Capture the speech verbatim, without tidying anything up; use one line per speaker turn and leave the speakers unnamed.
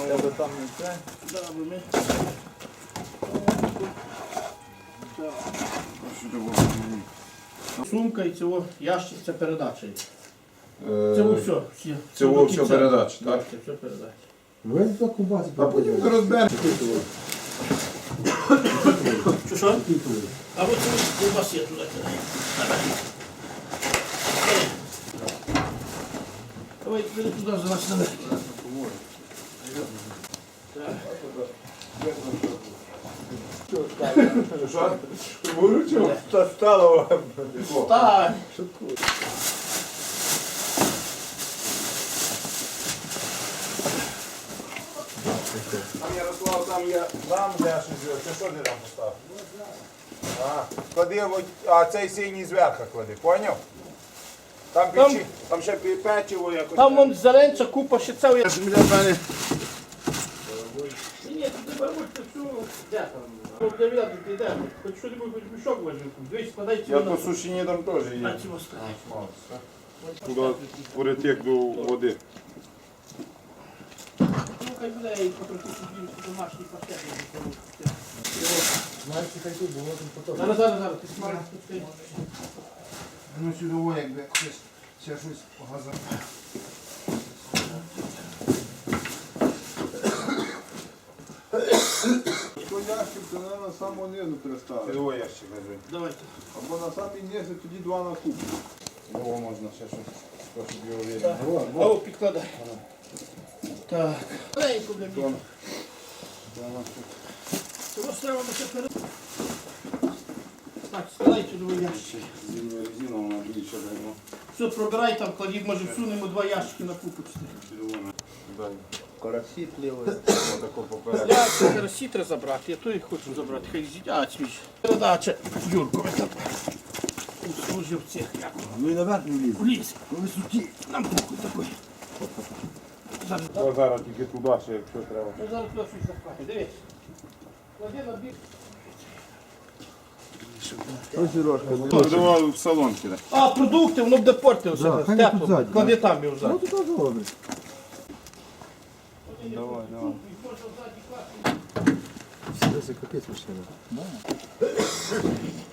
вода там не це.
Да, бо ми... Сумка і цього ящик, це передача. Це все. всі.
Це
до
все
кінця.
передача, так?
Так, це все передача.
Ви до кубаці
А потім ти розбереш.
Що що? А от це ковбаси туди. Давай, бери туди, залазь наверх.
Що? Ти виручив? Та стало.
Так.
Там Ярослав, там я там я щось. Це що ти там поставив? А, клади, от- а цей синій зверху клади, поняв? Там
Там-
печі, там ще пе- печиво якось.
Там вон зеленця, купа ще це.
Це ж біля мене.
Ні, ні, ти беруть це все. Де там? Ну, для мене тут йде. Хоч що-небудь, хоч мішок возьми. Дивись, складай
Я
цього
по
на...
сушині там теж
На
є.
цього складай.
Туди перетек до води.
Ну, хай буде і потрохи собі домашній пакет.
Знаєте, хай тут було там потім.
Зараз, зараз, зараз, ти смариш тут.
Ну сюди, якби хтось ще щось погазав.
То ящик, то на самого низу переставити.
Сюди ящик лежить.
Давайте.
Або на самий низ, і тоді два на куб.
Його можна ще щось. Щоб його
Так.
видно.
А о, підкладай. Так. Маленько, бля, мені. Цього треба ще перед... Так, складай сюди ящик.
Зимню резину вона більше давно.
Все, пробирай там, кладіть, може всунемо два ящики на купу.
Карасі пливли.
Отако поперед.
Я це карасі треба забрати, я то і хочу забрати, хай з'їдь. А, свіж. Передача Юркові там. Служив цех, як
Ну і наверх не вліз.
в ліс.
По висоті.
Нам похуй такий. Зараз.
То зараз тільки туди ще, якщо треба.
Ну, зараз туди щось запхати. Дивись. Клади на бік.
Ось Сережка.
Ну, давай в салон кидай.
А, продукти, воно буде портилося.
Да, хай тут
Тепло.
ззаді,
Клади там його
Ну
взад.
то теж добре. Давай, давай. Це капець машина.